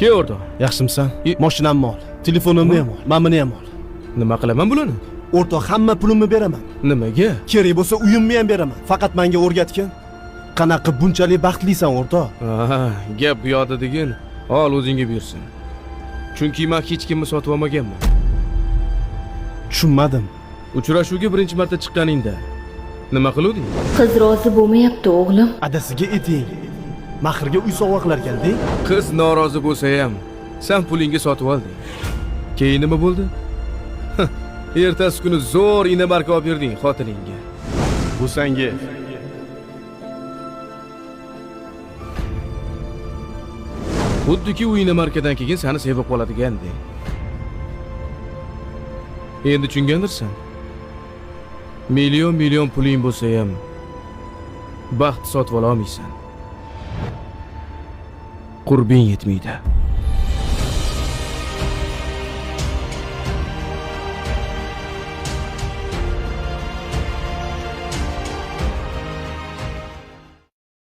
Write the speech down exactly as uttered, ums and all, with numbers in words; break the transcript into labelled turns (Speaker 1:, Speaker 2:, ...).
Speaker 1: Ke o'rtoq.
Speaker 2: Yaxshimisan? Mashinamni ol, telefonimni ham ol, men buni ham ol.
Speaker 1: Nima qilaman bularni?
Speaker 2: O'rtoq, hamma pulimni beraman.
Speaker 1: Nimaga?
Speaker 2: Kerak bo'lsa uyimni ham beraman. Faqat menga o'rgatgin. Qanaqa bunchalik baxtlisan o'rtoq?
Speaker 1: Ha, gap bu yoqda degin. Ol o'zingga bersin. Chunki men hech kimni sotib olmaganman.
Speaker 2: Tushunmadim.
Speaker 1: Uchrashuvga birinchi marta chiqqaningda nima qiluvding?
Speaker 3: Qiz rozi bo'lmayapti o'g'lim.
Speaker 2: Adasiga ayting. Mahrga uy sovg'alar kelding.
Speaker 1: Qiz norozi bo'lsa ham sen pulingga sotib olding. Keyin nima bo'ldi? Ertasi kuni zo'r ina-barka olib berding xotiningga.
Speaker 2: Bu senga.
Speaker 1: Xuddiki u ina-markadan keyin seni sevib qoladigandek. Endi tushungandirsan. Million million puling bo'lsa ham baxt sotib ola olmaysan. Qurbing yetmaydi.